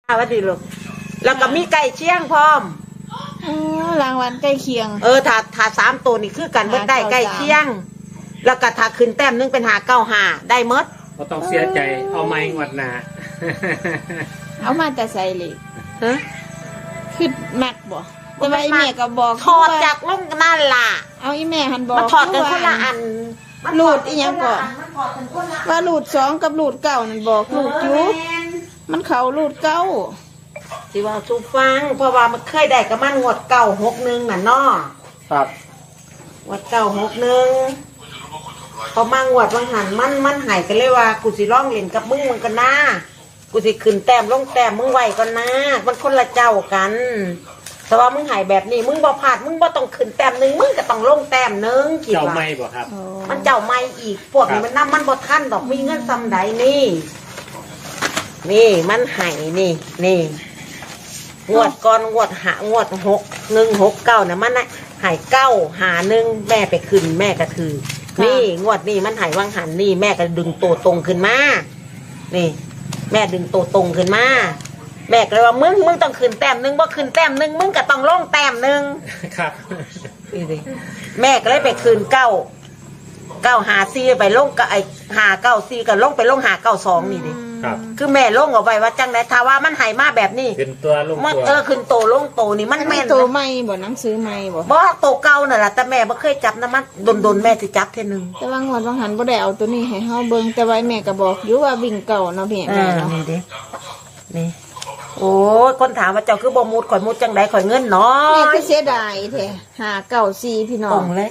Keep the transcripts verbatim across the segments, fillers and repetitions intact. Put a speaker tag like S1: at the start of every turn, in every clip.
S1: ว่าดีลูกแล้วก็มีไก่เชียงพร้อม
S2: อ๋อรางวัลใกล้เคียง
S1: เออถ้าถ้าสามตัวนี่คือกันเบิดได้ใกล้เคียงแล้วก็ถ้าขึ้นแต้มนึงเป็นหาเก้าหาได้เมด
S3: ก็ต้องเสียใจเอาไม้งวดหนา
S2: เอามาแต่ใส่เลย
S1: ฮะ
S2: คือมักบ่แต่ว่าอีแม่ก็บอก
S1: ถอดจากลงนั่นล่ะ
S2: เอาอีแม่หันบอก
S1: มันถอดกันคนละอัน
S2: หลุดอีหยังก่อนว่าหลุดสองกับหลุดเก้านั่นบอกหลุดอยู่มันเขาหลุดเก้า
S1: สิว่าสูฟังเพราะว่ามันเคยได้กับมันงวดเก้าหกหนึ่งน่ะเนาะ
S3: ครับ
S1: งวดเก้าหกหนึ่งพอมางวดบางหันมันมันหายกันเลยว่ากูสิร้องเล่นกับมึงมึงกันนะกูสิขึ้นแต้มลงแต้มมึงไหวกันนะมันคนละเจ้ากันแต่ว่ามึงหายแบบนี้มึงบ่พลาดมึงบ่ต้องขึ้นแต้มหนึ่งมึงก็ต้องลงแต้มหนึ่ง
S3: เจ้าไม่บ่ครับ
S1: มันเจ้าไม่อีกพวกนี้มันน้ำมันบ่ทันดอกมีเงินซ้ำใดนี่นี่มันหายนี่นี่งวดก่อนงวดหางวดหกหนึ่งหกเก้าเนี่ยมันหายเก้าหาหนึ่งแม่ไปขึ้นแม่ก็ถือนี่งวดนี่มันหายวังหันนี่แม่ก็ดึงตัวตรงขึ้นมานี่แม่ดึงตัวตรงขึ้นมาแม่ก็เลยว่ามึงมึงต้องขึ้นแต้มหนึ่งบ่ขึ้นแต้มหนึ่งมึงก็ต้องลงแต้มหนึ่ง
S3: ครับ
S1: นี่สิแม่ก็เลยไปขึ้นเก้าเก้าหาซีไปลงกับไอหาเก้าซีก็ลงไปลงหาเก้าสองนี่ดิคือแม่ลงเอาไว้ว่าจังไดถ้าว่ามันหายมาแบบนี้
S3: ขึ้นตัวลงตัว
S1: เออขึ้นโตลงโตนี่มันแม่น
S2: โตไม่บ่หนังสือไม่บ่
S1: บ่โตเก่านั่นแหละแต่แม่บ่เคยจับนะมันโดนๆแม่สิจับเท่นึง
S2: แต่ว่างวดบางหันบ่ได้เอาตัวนี้ให้เฮาเบิ่งแต่ว่าแม่ก็บอกอยู่ว่าวิ่งเก่าเนาะพี่แม่เนาะ
S1: นี่ดินี่โอ้คนถามว่าเจ้าคือบ่มุดข่อยมุดจังได๋ข่อยเงินน้อย
S2: แม่คือเสียดายแท้ห้าเก้าสี่พี่น้อง
S1: ตรงเลย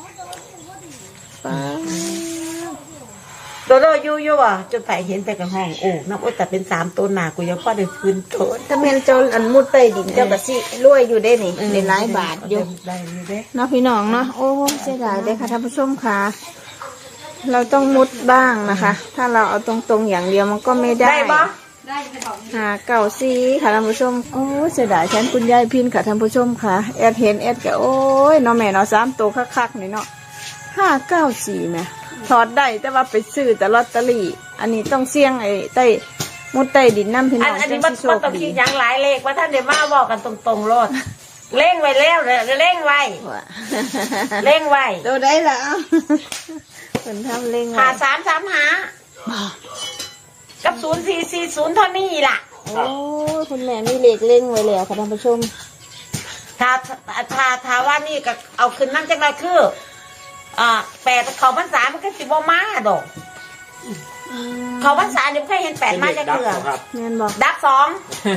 S1: โดโดอยู่อยู่ว่ะจนไปเห็นไปกับห้องโอ้น้ำอ้อยแต่เป็นสามตัวหนากูยังพอได้คืนโต
S2: ถ้าแม่นเจ้าอันมุดใต้ดินเจ้าก็สิรวยอยู่ได้นี่ได้หลายบาทอยู่
S1: ได้อยู่เด้
S2: เนาะพี่น้องเนาะโอ้เสียดายเด้ค่ะท่านผู้ชมค่ะเราต้องมุดบ้างนะคะถ้าเราเอาตรงๆอย่างเดียวมันก็ไม่ได้
S1: ได้ปะ
S2: หาเก่าซีค่ะท่านผู้ชมโอ้เสียดายฉันคุณยายพินค่ะท่านผู้ชมค่ะแอดเห็นแอดก็โอ้ยเนาะแม่เนาะสามตัวคักๆนี่เนาะห้าเก้าสี่แม่ถอดได้แต่ว่าไปซื้อแต่ลอตเตอรี่อันนี้ต้องเสี่ยงไอ้ใต้มุดใต้ดินน้ำพี่น้อง
S1: อันนี้มันมันต้องคิดอย่างหลายเลขว่าท่านเดี๋ยวมาบอกกันตรงๆรถเร่งไว้แล้วเลยเร่งไว้เร่งไว้
S2: ตัวได้แล้วเป็นทำเร่งไว้
S1: หาสามสามหากับศูนย์สี่สี่ศูนย์เท่านี้ล่ะ
S2: โอ้คุณแม่มีเลขเร่งไว้แล้วค่ะท่านผู้ชม
S1: ถ้าถ้าถ้าว่านี่ก็เอาขึ้นนั่นจังไรคืออ่าแปดเขาพรรษามันก็สิบมาดอกเขาพรรษาเดี๋ยวเคยเห็นแปดมาจะเกลือ
S2: เงินบอก
S1: ดับสอง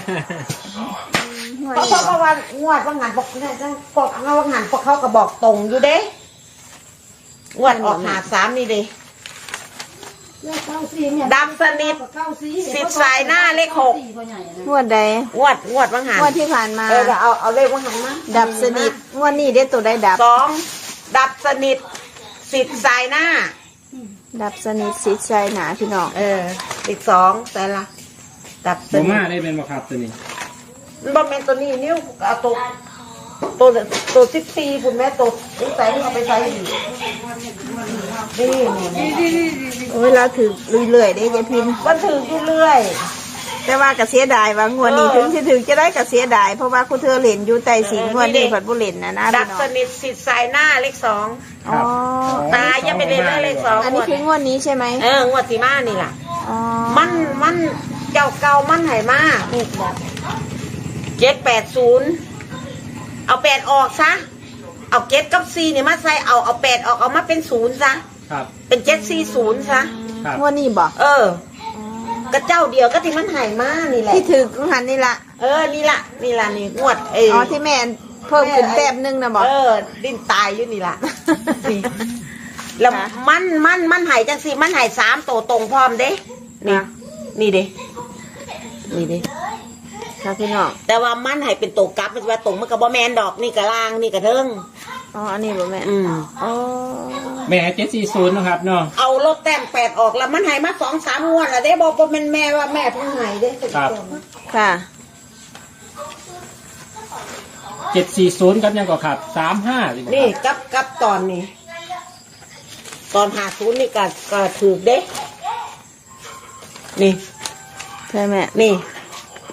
S1: เพราะเพราะว่างวดว่างานบอกเนี่ยจังพวกงวดงานพวกเขาก็บอกตรงอยู่เด้งวดออกหาสามนี่เด้ดำสนิทสิบสายหน้าเลขหก
S2: งวดใด
S1: งวดงวดว่างาน
S2: งวดที่ผ่านมา
S1: เออเอาเอาเลขว่างานมา
S2: ดับสนิทงวดนี้ได้ตัวได้ดับ
S1: สองดับสนิทสิบสายหน้า
S2: ดับสนิทสิบสายหนาพี่น้อง
S1: เอออีกสองแต่ละดับสนิท
S3: มาได้เป็นบ่ครับตัวนี้
S1: มันบ่เป็นตัวนี้นิ้วเอาตัวตัวตัวสิบสี่คุณแม่ตัวนี่ใส่เอาไปใส่ดีนี่
S2: เวลาถือเรื่อยๆได้ยายพิม
S1: มันถืออยู่เรื่อย
S2: แต่ว่ากระเสียดายว่างวดนี้ถึงจะถึงจะได้กระเสียดายเพราะว่าคุณเธอเล่นอยู่ใต้สิงงวดนี้ผัดบุเล่นนะนะ
S1: ดับสนิทสิทธิ์สายหน้าเลขสอง
S2: อ๋อ
S1: ตายังไม่เล่นเลขสอง
S2: อันนี้คืองวดนี้ใช่ไหม
S1: เอองวดสีมานี่แหละมันมันเจ้าเก่ามันไหมาเจ็ดแปดศูนย์เอาแปดออกซะเอาเจ็ดกับสี่เนี่ยมาใส่เอาเอาแปดออกเอามาเป็นศูนย์ซะเป็นเจ็ดสี่ศูนย์ซะ
S2: งวดนี้บอก
S1: เออกระเจ้าเดียวก็ที่มันหายมานี่แหละ
S2: ที่ถือของหันนี่ละ
S1: เออนี่ละนี่ละนี่งวดเออ
S2: อ๋อที่แม่เพิ่มขึ้นแต้มนึงนะบอก
S1: เออดิ้นตายอยู่นี่ละแล้วมันมันมันหายจังสิมันหายสามโตตรงพร้อมเด้นี่นี่เด้นี่เด้
S2: ค่ะพี่น้อง
S1: แต่ว่ามันหายเป็นโตกลับมันว่าตรงมันกับบอแมนดอกนี่กระล่างนี่กระเทิง
S2: อ๋ออันนี้บ่แม่
S1: อืม
S2: อ๋อ
S3: แม่เจ็ดสี่ศูนย์นะครับเนาะ
S1: เอาลบแต้มแปดออกแล้วมันหายมาสองสามงวดแล้วได้บอกว่าเป็นแม่ว่าแม่เพิ่งหายได้
S3: ครับ
S2: ค่ะ
S3: เจ็ดสี่ศูนย์ครับยังก็ขับสามห้า
S1: นี่กับกับตอนนี้ตอนหาศูนย์นี่ก็ก็ถือเด้นี่
S2: ใช่ไหม
S1: นี่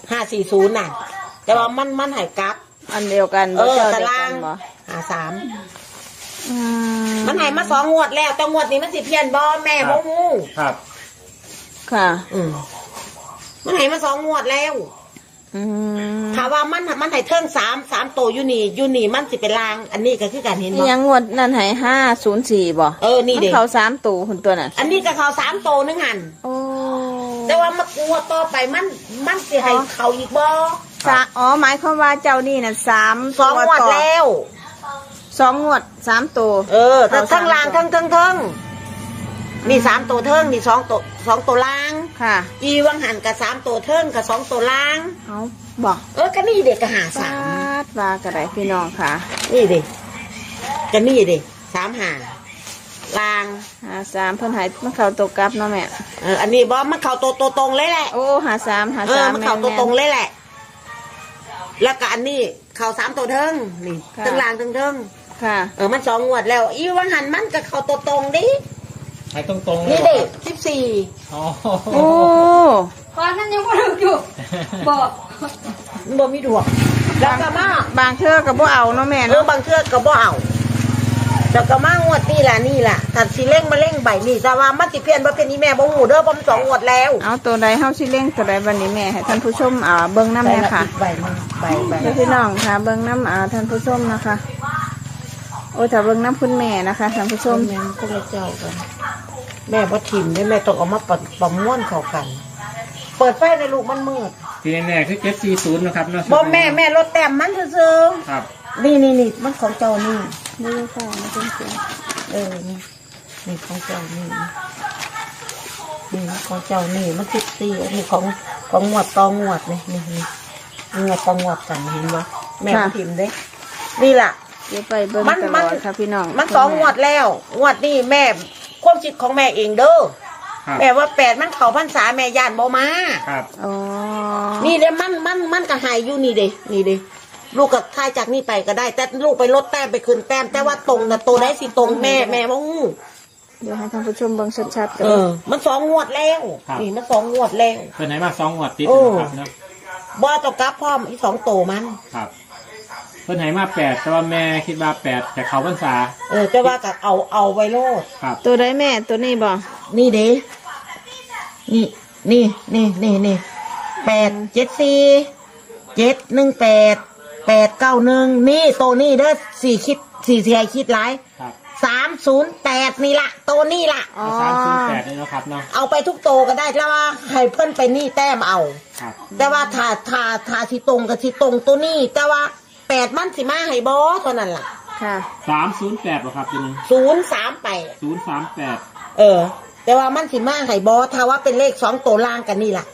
S1: ห้าสี่ศูนย์น่ะ แต่ว่ามันมันใหายกลับ
S2: อันเดียวกัน
S1: เอ
S2: บ่
S1: อ
S2: เจ้า
S1: ตา
S2: เดียว
S1: รา
S2: กั
S1: ง
S2: นบ่
S1: หาสาม
S2: อื
S1: มันใหายมาสองงวดแล้วแต่งวดนี้มันสิเพี้ยนบ่แม่บ่ฮู้
S3: ครับ
S2: ค่ะ
S1: อืมมันใหายมาสองงวดแล้ว
S2: อืม
S1: ถามว่ามันมันใหายเทิงสามสามโตวอยู่นี่อยู่นี่มันสิเป็นลาง อันนี้ก็คือการเห็น
S2: อี
S1: บ่
S2: หยังงวดนั่นให้ห้าศูนย์สี่บ่
S1: เออนี่
S2: มัน
S1: เด็ก
S2: เขาสามตัวคนตัวน่ะ
S1: อันนี้ก็เขาสามโตวนึงหัน
S2: โอ้
S1: แต่ว่ามากลัวต่อไปมันมันสิให้เขาอีกบ่
S2: สะอ๋อหมายความว่าเจ้านี่น่ะสาม
S1: สองงวด
S2: ต่
S1: แล้ว
S2: สองงวดสามตัว
S1: เออแต่
S2: เขาสาม
S1: ทั้งล่าง
S2: ตัว
S1: ทั้งทั้งทั้งนี่สามตัวเทิงนี่สองตัวสองตัวล่าง
S2: ค่ะ
S1: อีวังหันกับสามตัวเทิงกับสองตัวล่าง
S2: เอาบอก
S1: เออก็นี่เด็กก็หาสาม
S2: ดว่ากระไรพี่น้องค่ะ
S1: นี่เด็กก็นี่เด็กสามหาล่าง
S2: หาสามเพิ่นใหายมันเข้าตัวกลับเนาะแม่
S1: เอออันนี้บอมันเข่าตัวตัวตรงเลยแหละ
S2: โอ้หาสามหา
S1: เอ
S2: สา
S1: อ
S2: ม
S1: มันเข่าตัวตรงเลยแหละ แล้วก็อันนี้เข่าสามตัวเทิงนี่
S2: ค่ะ
S1: ทั้งล่างทั้งเทิง
S2: ค่ะ
S1: เออมันสองงวดแล้ว อีวังหันมันก็เข่าตัวตรงดิ
S3: ให้ตรงๆเลย
S1: นี่
S3: เหรอ
S1: เด็
S3: ค
S1: ก
S3: รับ
S1: สิบสี่
S3: อ๋อ
S2: โอ้
S4: พอท่านยังไม่รู้อยู่ บอก
S1: มันบ่มีดวงแล้วก็มา
S2: บางเทื่อกับบ่เอาเนาะแม่
S1: เออ
S2: เนาะ
S1: บางเทื่อก็บ่เอาแล้วก็มางวดนี่ล่ะนี่ล่ะถ้าสิเล่งมาเล่งใบนี่แต่ว่ามันสิเพี้ยนบ่เป็นอีแม่บ่ฮู้เด้อบ่มันสองงวดแล้ว
S2: เอาตัวใดเฮาสิเล่งตัวใดวันนี้แม่ให้ท่านผู้ชมอ่าเบิ่งน้ำเนี่ยค่ะ
S1: ใบมันใบใบ
S2: เดี๋ยวพี่น้องค่ะเบิ่งน้ำอ่าท่านผู้ชมนะคะ โอ้ถ้าเบิ่งน้ำคุณแม่นะคะท่านผู้ช
S1: ส้
S2: ม
S1: มแม่ก็เลยเจ้ากัน แม่บ่ทิมได้แม่ต้องเอามาประประมวลเข้ากัน เปิดไฟในลูกมันมืด
S3: ที่แน่ๆคือเจ็ดสี่ศูนย์นะครับเนาะ
S1: บ่แม่แม่ลดแต้มมันซื่อ
S3: ครับ
S1: ๆนี่นี่นี่มันของเจ้านี่
S2: นี่ค่ะมาเป็นเสียง
S1: เออนี่นี่ของเจ้านี่นี่ของเจ้านี่มันสิบสี่อันนี้ของของงวดต่องวดนี่นี่นี่งวดต่องวดกันเห็นบ่แม่บ่ทิมเด้นี่ล่ะ
S2: เดี๋ยวไปเบิ่ง
S1: มัน
S2: ตล
S1: มัน
S2: อดค่ะพี่น้อง
S1: มันสองงวดแล้ว งวดนี่แม่ความคิดของแม่เองเด้อ
S3: ครับ
S1: แม่ว่าแปดมันเขาพรรษาแม่ย่านบ่มา
S3: ครับ
S2: อ๋อ
S1: นี่เด้มันมันมันก็หายอยู่นี่เด้นี่เด้ลูกก็ทายจากนี่ไปก็ได้ แต่ลูกไปลดแต้มไปคืนแต้ม แต่ว่าตรงนะตัวได้สิตรงแม่แม่บ่ฮู้
S2: เดี๋ยวให้ท่านผู้ชมเบิ่งชัดๆกั
S1: เออ มันสองงวดแล้ว นี่มันสองงวดแล้ว
S3: เป็นไหนมาสองงวดติด
S1: โอ้
S3: นะครับเนาะ
S1: บ่ต้องกลับพร้อมอีกสองโตมัน
S3: ครับเพิ่นให้มาแปดแต่ว่าแม่คิดว่าแปดแต่เขาพรรษา
S1: เออแต่ว่าก็เอาเอาไว้โลด
S3: ครับ
S2: ตัวใดแม่ตัวนี้บ่
S1: นี่เด้นี่นี่นี่นี่นี่แปดเจ็ดสี่เจ็ดหนึ่งแปดแปดเก้าหนึ่งนี่โตนี่เด้อสี่คิดสี่เสียคิดหลาย
S3: ครับ
S1: สามศูนย์แปดนี่ละโตนี่ละ
S2: อ๋อ
S3: สามศูนย์แปดเลยนะครับเนาะ
S1: เอาไปทุกโตก็ได้แล้วว่าให้เพิ่นไปนี่แต้มเอา
S3: ครับ
S1: แต่ว่าถ้าถ้าถ้าสิตรงกับสิตรงตัวนี้ แต่ว่าแปดมันสิมาให้บอเท่านั้นล่ะ
S2: ค่ะ
S3: สามศูนย์แปดหรอครับทีนี้
S1: ศูนย์สามแปด
S3: ศูนย์สามแปด
S1: เออ แต่ว่ามันสิมาให้บอถ้าว่าเป็นเลขสองตัวล่างกันนี่ล่ะ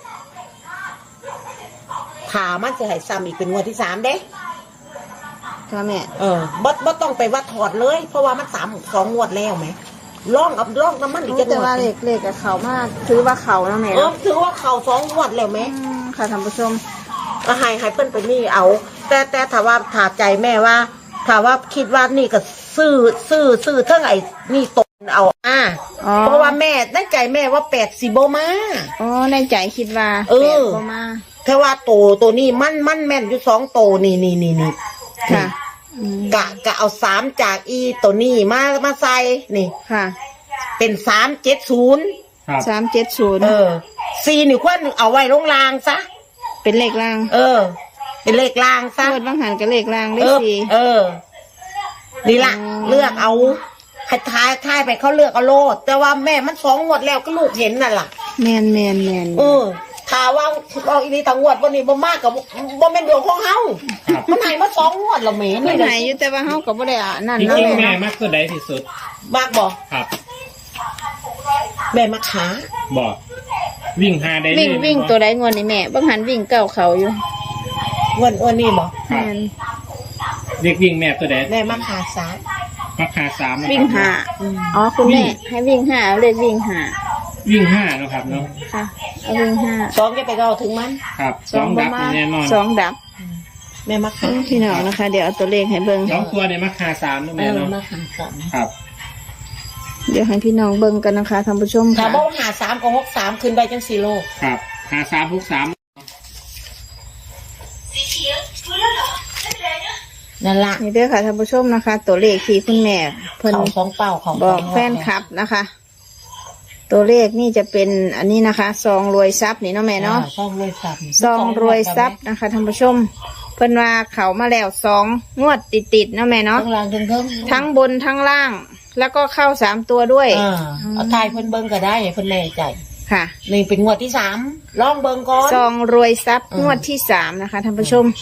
S1: ถ้ามันจะให้ซ้ำอีกเป็นงวดที่สามเด้
S2: ค่ะแม่
S1: เออบ่บ่ต้องไปวัดถอดเลย เพราะว่ามันสามสองงวดแล้วไหมล่องเอาล่องน้ำมันอีก
S2: โอ้
S1: จะง
S2: แต่
S1: ว
S2: ว่า
S1: ด
S2: เลขเลขกับเขามาถือว่าเขาแล้วแม่
S1: เออ
S2: เนาะ
S1: ถือว่าเขาสองงวดแล้วไหม
S2: อืมค่ะท่านผู้ชม
S1: ก็ให้ให้เพิ่นไปนี่เอา แต่แต่ถ้าว่าถ้าใจแม่ว่าถ้าว่าคิดว่านี่ก็ซื้อซื้อซื้อเท่าไหร่นี่ตกเอาอ่า
S2: อ๋อ
S1: เพราะว่าแม่ในใจแม่ว่าแปดสิบมา
S2: อ๋อในใจคิดว่า
S1: เออ
S2: แปดบ่มา
S1: แต่ว่าโตตัวนี้มันมันแม่นอยู่สองโตนี่นี่นี่นี่
S2: ค่ะอืม
S1: กะกะเอาสามจากอีตัวนี้มามาใส่นี่
S2: ค่ะ
S1: เป็นสามเจ็ดศูนย์
S3: ครับ
S2: สามเจ็ดศูนย์
S1: เออสี่นี่ควรเอาไว้ลงรางซะ
S2: เป็นเลขล่าง
S1: เออ เป็นเลขรางซะ
S2: เกิดบางหันกับเลขล่างเล
S1: เอ
S2: ข
S1: อ
S2: สี่
S1: เออ นี่ล่ะ
S2: อ๋อ
S1: เลือกเอาให้ทายทายไปเขาเลือกเอาโลด แต่ว่าแม่มันสองงวดแล้วก็ลูกเห็นน่ะล่ะ
S2: แมนแมนแมน
S1: เออถ้าว่าเอาอีนี่ทางงวดวันนี้บ่มากกับบ่แม่นดวงของเฮามันให้มาสองงวดและแม่
S2: ไม่
S1: นี่
S2: ไหน
S1: น่ะ
S2: อยู่แต่ว่าเฮาก็บ่ได้อ่ะนั่น
S3: จ
S2: เนาะ
S3: ริงๆ
S2: แม่
S3: แม่
S2: เนาะ
S3: มากตัวใดที่สุด
S1: มากบ่
S3: ครับ
S1: แม่มาขา
S3: บอกวิ่งหาได้เลย
S2: วิ่งวิ่งตัวใดงวนนี่แม่บางหันวิ่งเก้าเขาอยู่
S1: งวดงวดนี้บ่
S3: ค
S2: แม
S3: รับ
S2: น
S3: เรียกวิ่งแม่ตัวใด
S1: แม่มาขาสาม
S3: ราคาสามนะครับ
S2: วิ่งหาอ๋อคุณแม่ให้วิ่งหาเลขวิ่งหา
S3: วิ่งห้านะครับเนาะ
S2: ค่ะเอาวิ่งหา
S1: สองจะไปก็เอาถึงมัน
S3: ครับสองดับนี่แน่นอน
S2: สองดับ
S1: แม่มาขา
S2: พี่น้องนะคะ เดี๋ยวเอาตัวเลขให้เบิ่ง
S3: สองตัวเนี่ยมาคาสามนะ
S1: เอ
S3: แม่
S1: อ
S3: เนาะ
S1: มาขาสาม
S3: ครับ
S2: เดี๋ยวให้พี่น้องเบิ่งกันนะคะท่านผู้ชม
S1: ถ้า
S2: ค่ะ
S1: บ่หาสามกับหกสามขึ้นไปจังสี่โล
S3: ครับหาสามหกสาม
S1: นั่นล่ะ
S2: นี่เด้อค่ะท่านผู้ชมนะคะ ตัวเลขที่คุณแม่เพิ่น
S1: เขาของเป่าของ
S2: บอกแฟนคลับนะคะ ตัวเลขนี่จะเป็นอันนี้นะคะซองรวยทรัพย์นี่เนาะแม่เนาะ
S1: ซองรวยทรัพย์
S2: ซองรวยทรัพย์นะคะท่านผู้ชม เพิ่นว่าเขามาแล้วสองงวดติดๆเนาะแม่เนาะ
S1: ทั้งล่างทั้งเทิง
S2: ทั้งบนทั้งล่าง แล้วก็เข้าสามตัวด้วย
S1: อ่าเอาทายเพิ่นเบิ่งก็ได้ให้เพิ่นแน่ใจ
S2: ค่ะ
S1: นี่เป็นงวดที่สามลองเบิ่งก่อน
S2: ซองรวยทรัพย์
S1: อืม
S2: งวดที่สามนะคะท่านผู้ชม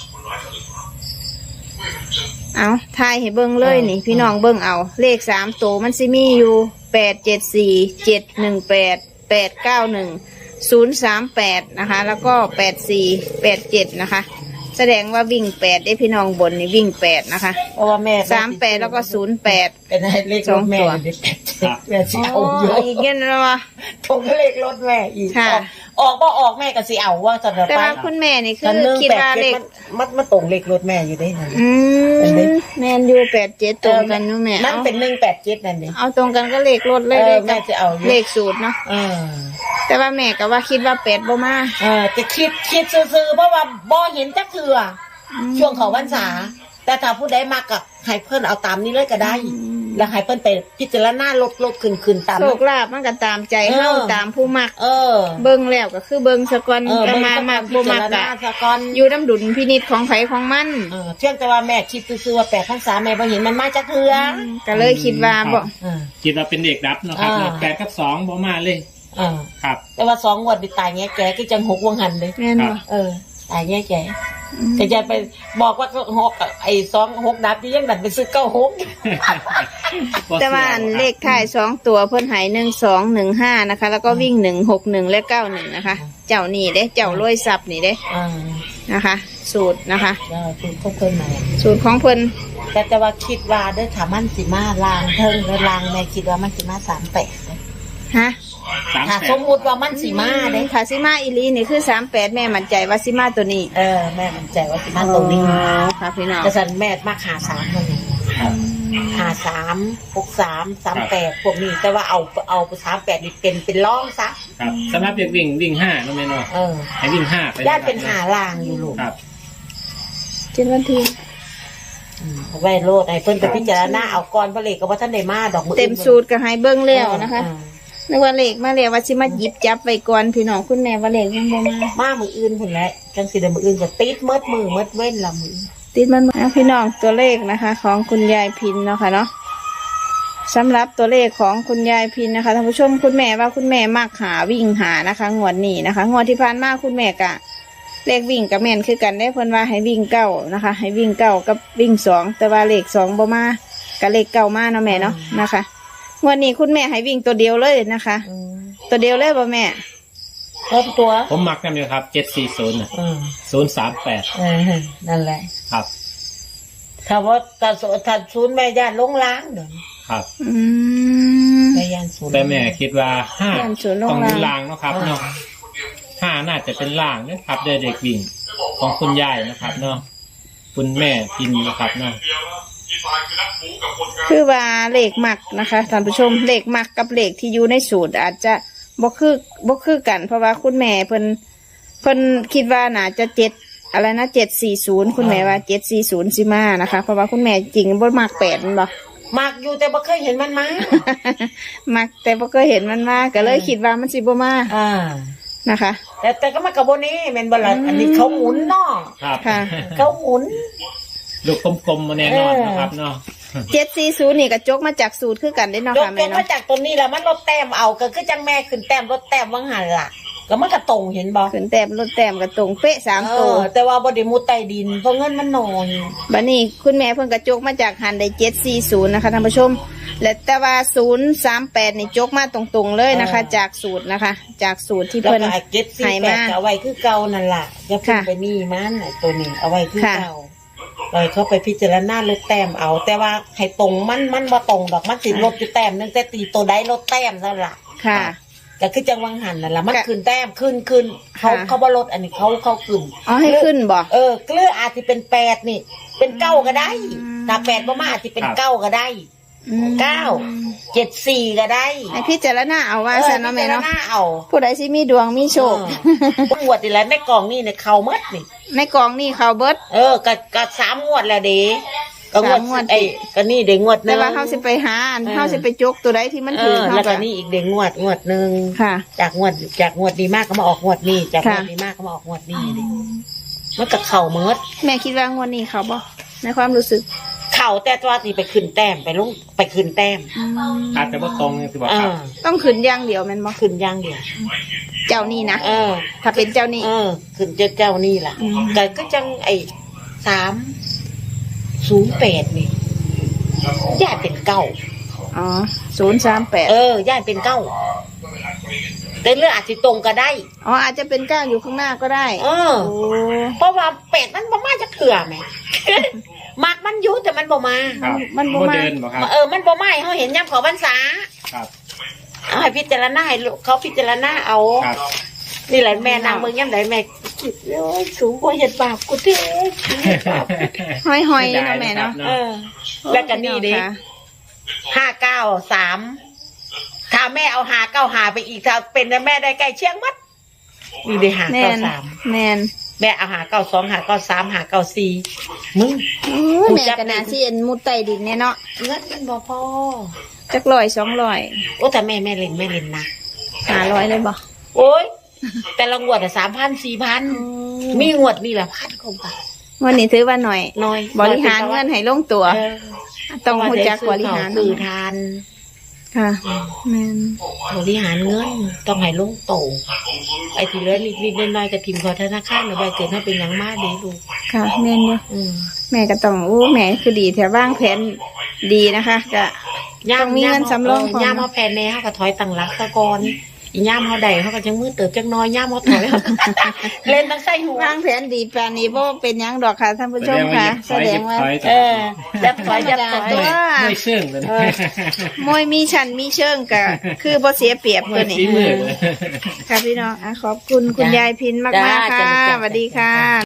S2: เอาทายให้เบิ้งเลยนี่ พี่น้องเบิ้งเอา เลขสามตัวมันสิมีอยู่แปดเจ็ดสี่เจ็ดหนึ่งแปดแปดเก้าหนึ่งศูนย์สามแปดนะคะ แล้วก็แปดสี่แปดเจ็ดนะคะ แสดงว่าวิ่งแปดได้พี่น้องบนนี่วิ่งแปดนะคะ
S1: เพราะว่าแม่
S2: สามแปดแล้วก็ศูนย์แปด
S1: เป็นเลขรถแม่
S2: สองตัว
S1: เด็กแม่สิ
S2: โอ้
S1: เอาอยู่
S2: อีกเงี้ยนะวะ
S1: ทงเลขรถแม่อีก
S2: ค่ะ
S1: ออกบ่ออกแม่ก็สิเอาว่าจะเดิน
S2: แต่
S1: ไป
S2: ว่าคุณแม่นี่คื
S1: กัน
S2: อ
S1: หนึ่ง
S2: คิด
S1: แปด
S2: ว่า
S1: เจ็
S2: เล
S1: ด
S2: ข
S1: มันมันมันตรงเลขรถแม่อยู่ได้นั่น
S2: อื
S1: เห็นไหม
S2: มแมนยูแปดเจ็ดตรงกันนู้แม่
S1: นั่น
S2: เอา
S1: เป็นหนึ่งแปดเจ็ดนั่นนี่
S2: เอาตรงกันก็เลขรถเลย
S1: เออ
S2: เลข
S1: แม่จะเอาอยู่
S2: เลขสูตรเนาะ
S1: เออ
S2: แต่ว่าแม่ก็ว่าคิดว่าแปดบ่มา
S1: เออจะคิดคิดซื่อๆเพราะว่าบ่เห็นจักเถื่ออช่วงเขาพรรษาแต่ถ้าผู้ใดมากับให้เพิ่นเอาตามนี้เลยก็ได้ แล้วให้เพิ่นไปพิจารณาลดลดขึ้นขึ้นตาม
S2: โชคลาภมันก็ตามใจเฮา
S1: เออ
S2: ตามผู้มัก
S1: เออ
S2: เบิ่งแล้วก็คือเบิ่งสะก่อน
S1: เออ
S2: ก็
S1: เบิ่ง
S2: มา
S1: สัก
S2: มั
S1: ก่อก น
S2: บ่
S1: พิ
S2: มั
S1: จาก ร
S2: ก็
S1: ณาซะก่อน
S2: อยู่น้ำดุลพินิจของไผของมัน
S1: เออเที่ยงแต่ว่าแม่คิดซื่อๆว่าแปดพรรษาแม่บ่เห็นมันมาจักเถื่อ
S2: ก็เลยคิดว่าบ่
S1: เออ
S3: คิดว่าเป็นเด็กดับเนาะครับ
S1: อ่า
S3: แปดกับสองบ่มาเลย
S1: เออ
S3: ครับ
S1: แต่ว่าสองงวดไปตายแง่แก่ก็จังหกวงหันเลย
S2: แม่นบ่
S1: เออตายแง่แก่ก็จะไปบอกว่าหกไอ้สองหกดับที่ยังดันไปซื้อเก้าหก
S2: แต่ว่าอันเลขท้ายสองตัวเพิ่นให้หนึ่งสองหนึ่งห้านะคะ แล้วก็วิ่งหนึ่งหกหนึ่งและเก้าหนึ่งนะคะ เจ้านี่เด้เจ้ารวยทรัพย์นี่เด้
S1: อ่า
S2: นะคะ สูตรนะคะ
S1: แล้วคือเขาเคยมา
S2: สูตรของเพิ่น
S1: แต่แต่ว่าคิดว่าเด้อถามันสิมาลางเทิงเด้อลางแม่คิดว่ามันสิมาสามแปด
S2: ฮะ
S3: สาม
S1: ถ้า
S3: แป
S1: ส
S3: ด
S1: มมุติว่ามันสิมาเด้
S2: คาซิมาอีลีนี่คือสามแปดแม่มั่นใจว่าซิมาตัวนี้
S1: เออแม่มันใจว่าสิมาตรงนี้
S2: อ๋อค่ะพี่น้อง
S1: แต่สันแม่มาหาสามคนหาสามหกสามสามแปดพวกนี้แต่ว่าเอาเอาสามแปดนี่เป็นเป็นร่องซะ
S3: ครับสำหรับเด็กวิ่งวิ่งห้าเนาะแม่เนาะ
S1: เออ
S3: ให้วิ่งห้าไป
S1: ญาติเป็นหาลางอยู่ลูก
S3: ครับ
S2: เจ็ดวันที
S1: อืมไว้โลดไอ้เพิ่นไปพิจารณาเอาก่อนเพราะเลขก็ว่าท่านได้มาดอกมือ
S2: เต็มสูตรก็ให้เบิ้งแล้วนะคะ
S1: เออ
S2: นึกว่าเลขมาแล้วว่าสิมาหยิบจับไว้ก่อนพี่น้องคุณแม่ว่าเลขยังบ่มา
S1: มามืออื่นพุ่นแหละจังสิได้มืออื่นก็ติดเมิดมือเมิดเว้นละมือ
S2: ติดมันมาพี่น้องตัวเลขนะคะ ของคุณยายพินเนาะค่ะเนาะสำหรับตัวเลขของคุณยายพินนะคะท่านผู้ชมคุณแม่ว่าคุณแม่มักหาวิ่งหานะคะงวดนี้นะคะงวดที่ผ่านมาคุณแม่กะ เลขวิ่งกับแม่นคือกันได้เพิ่นว่าให้วิ่งเก้านะคะ ให้วิ่งเก้ากับวิ่งสองแต่ว่าเลขสองบ่มากับเลขเก้ามาเนาะแม่เนาะนะคะงวดนี้คุณแม่ให้วิ่งตัวเดียวเลยนะคะ
S1: อืม
S2: ตัวเดียวเลยบ่แม่
S1: เพิ่มตัว
S3: ผมมักกันอยู่ครับเจ็ดสี่ศูนย์
S1: อืม
S3: ศูนย์สามแปด
S1: เออนั่นแหละ
S3: ครับ
S1: ถ้าว่าถ้าสถ้าศูนย์แม่ย่านลงล้างเด้อ
S3: ครับ
S2: อืม
S1: แม่ย่านศูนย์
S3: แต่แม่คิดว่าห้า
S2: ย่านศูนย์ลง
S3: ต้องเป็น
S2: ล่าง
S3: ลางเนาะครับเนาะห้าน่าจะเป็นล่างนะครับเด็กเด็กวิ่งของคุณยายนะครับเนาะคุณแม่พินนะครับเนาะ
S2: คือว่าเลขมักนะคะท่านผู้ชมเลขมักกับเลขที่อยู่ในสูตรอาจจะบ่คือบ่คือกัน เพราะว่าคุณแม่เพิ่นเพิ่นคิดว่าน่าจะเจ็ดอะไรนะเจ็ดสี่ศูนย์คุณแม่ว่าเจ็ดสี่ศูนย์สิมานะคะ เพราะว่าคุณแม่จริงบ่มักแปดแม่นบ่
S1: มักอยู่แต่บ่เคยเห็นมันมา
S2: มักแต่บ่เคยเห็นมันมาก็เลยคิดว่ามันสิบ่มา
S1: อ่า
S2: นะคะ
S1: แต่แต่ก็มากับโบนี้แม่นบ่ล่ะอันนี้เขาหมุนเนาะ
S3: ครับ
S2: ค่ะ
S1: เขาหมุน
S3: ลูกกลมๆมาแน่นอนนะครับเนาะ
S2: เจ็ดสี่ศูนย์นี่ก็จกมาจากสูตรคือกันได้เนาะ
S1: ยก
S2: ค่ะ
S1: ย
S2: แม่
S1: กมา
S2: เนาะ
S1: จากตัวนี้แล้วมันลดแต้มเอาก็คือจังแม่ขึ้นแต้มลดแต้มว่างหันล่ะก็มันก็ตรงเห็นบ่
S2: ขึ้นแต้มลดแต้มก็ตรงเป๊ะสาม
S1: เอ
S2: ตัว
S1: อแต่ว่าบ่ได้มุดใต้ดินเพราะเงินมันน้อย
S2: บัดนี้คุณแม่เพิ่นกระจกมาจากหันได้เจ็ดสี่ศูนย์นะคะท่านผู้ชม และแต่ว่าศูนย์สามแปดนี่จกมาตรงๆเลยนะคะ จากสูตรนะคะ จากสูตรที่
S1: แล้ว
S2: เพิ่น
S1: ก็ไอ้เจ็ดสี่
S2: ให้
S1: แป
S2: มา
S1: ดก็เอาไว้คือเก่านั่นล่ะจะขึ้น
S2: ค่ะ
S1: ไปนี่มันไอ้ตัวนี้เอาไว้คือ
S2: ค่ะ
S1: เก่าเลยเขาไปพิจารณาลดแต้มเอา แต่ว่าให้ตรงมันมันบ่ตรงดอกมันสิลดอยู่แต้มนึงแต่ตีตัวใดลดแต้มนั่นล่ะ
S2: ค่ะ
S1: ก็คือจังหวังหันนั่นล่ะมัน
S2: ค่ะ
S1: ขึ้นแต้มขึ้นขึ้นเขา
S2: ค่ะ
S1: เขาบ่ลดอันนี้เขาเขาขึ้น
S2: อ๋อให้ขึ้นบ่
S1: เออเกลืออาจจะเป็นแปดนี่ เป็นเก้าก็ได้
S2: อืม
S1: ถ้าแปดบ่มาอาจจะเป็น
S3: ครับ
S1: เก้าก็ได้
S2: อืม
S1: เก้าเจ็ดสี่ก็ได้
S2: ให้พิจารณาเอาว่าซะเนาะแม่เนาะ
S1: พิจรณเอา
S2: ผู้ใดสิมีดวงมีโชค
S1: เอองวดนี่แหละในกล่องนี่เนี่ยเขาหมดนี่
S2: ในกองนี่เขาเบิด
S1: เออก็ก็สามงวดแล้วเด้ก็งวด
S2: สามงวด
S1: ไอ้ก็นี่เด้งวดหนึ
S2: แต่
S1: ง
S2: ว่าเฮาสิไปหาอัน
S1: เออ
S2: เฮาสิไปจกตัวใดที่มัน
S1: เอ
S2: ถือ
S1: อ
S2: เฮา
S1: แล้วก็
S2: ก็
S1: นี่อีกเด้งวดงวดหนึง
S2: ค่ะ
S1: จากงวดจากงวดดีมากก็มาออกงวดนี้จากง
S2: ค่ะ
S1: วดดีมากก็มาออกงวดนี้ดิมันก็เข่าเมิด
S2: แม่คิดว่างวดนี้เขาบ่ในความรู้สึก
S1: เข่าแต่ตัวนี่ไปขึ้นแต้มไปลงไปขึ้นแต้ม
S2: อืม
S3: อาจจะว่าตรงสิบอก
S1: เอ
S3: ครับ
S1: อ
S2: ต้องขึ้นอย่างเดียวแม่นบ่
S1: ขึ้นอย่างเดียว
S2: เจ้านี่นะ
S1: เออ
S2: ถ้าเป็นเจ้านี่
S1: เออขึ้นเจ้าเจ้านี่ล่ะ
S2: อืม
S1: ก็ก็จังไอ้สามศูนย์แปดนี่ย่าเป็นเก้า
S2: อ๋อศูนย์สามแปด
S1: เออย่าเป็นเก้าแต่เรื่องอาจจะตรงก็ได้
S2: อ๋ออาจจะเป็นเก้าอยู่ข้างหน้าก็ได้
S1: เออ
S2: โอ้
S1: เพราะว่าเป็ดมันบ่มาจะเถื่อไหม มักมันอยู่แต่มันบ่มา
S3: ครับ
S2: มันบ่
S3: โม
S2: มา
S3: เดิร์นบอกครับ
S1: เออมันบ่มาให้เขาเห็นย่ำเขาพรรษา
S3: ครับ
S1: เอาให้พิจารณาให้ลูกเขาพิจารณาเอา
S3: ครับ
S1: นี่แหละแม่นางเมืองย่ำไหนแม่คิดโอ้ยสูงกว่าเห็ดบาปกูเด้เห็ดบาปกูเด้
S2: ห้อยๆเนาะแม่เนาะ
S1: เออ แล้วก็นี่ดิ
S2: ค่ะ
S1: ห้าเก้าสามถ้าแม่เอาหาเก้าหาไปอีกถ้าเป็นนะแม่ได้ใกล้เชียงมัดนี่ได้หา
S2: แม
S1: เก้าน สาม
S2: แมน
S1: แม่เอาหาเก้าสองหาเก้าสามหาเก้าสี่มึง
S2: โอ้ยแม่กระนาที่เอ็นมุดใต้ดินเนี่ยเนาะ
S1: เงินมันบ่พอ
S2: จักร้อยสองร้อย
S1: โอ้แต่แม่แม่เล่นแม่เล่นนะ
S2: ห้าร้อยเลยบ่
S1: โอ้ยแต่ละงวดอะสามพันสี่พันมีงวดนี่แหละพันกว่าบาท
S2: วันนี้ถือว่าหน่อย
S1: น้อย
S2: บริหารเงินให้ลงตัว
S1: เออ
S2: ต้องรู้จักบริหาร
S1: สื่อทาน
S2: ค่ะแมน
S1: บริหารเงินต้องให้ลงโตไอ้ที่เหลือนิดๆน้อยๆกับทีมขอธนาคารเอาไว้เกิดให้เป็นอย่างมากดีลูก
S2: ค่ะแมนอยู่
S1: อืม
S2: แม่ก็ต้องอู้แม่คือดีแถวบ้างแผนดีนะคะก็ต้องมีเงินสำรองพร้อม
S1: ย่ามเขาแผ่นแน่เขาก็ถอยตังหลักตะกอนอีย่ามเขาใดเขาก็จังมือเติบจังน้อยย่ามเขาถอย เล่นตั้งไส้หัว
S2: วางแผนดีแปลนี้บ่เป็นหยังดอกค่ะท่านผู้ชมค่ะ แสดงว่า
S1: เออจับถอยจับถอย
S2: ตัว
S3: ไม่เชื่องเลย
S2: มวยมีชันมีเชิงก็คือบ่เสียเปรียบ
S3: ไม่
S2: ตัวนี้
S3: ฝีมือเลย
S2: ค่ะพี่น้องอ่ะขอบคุณคุณยายพินมากๆค่ะสวัสดีค่ะ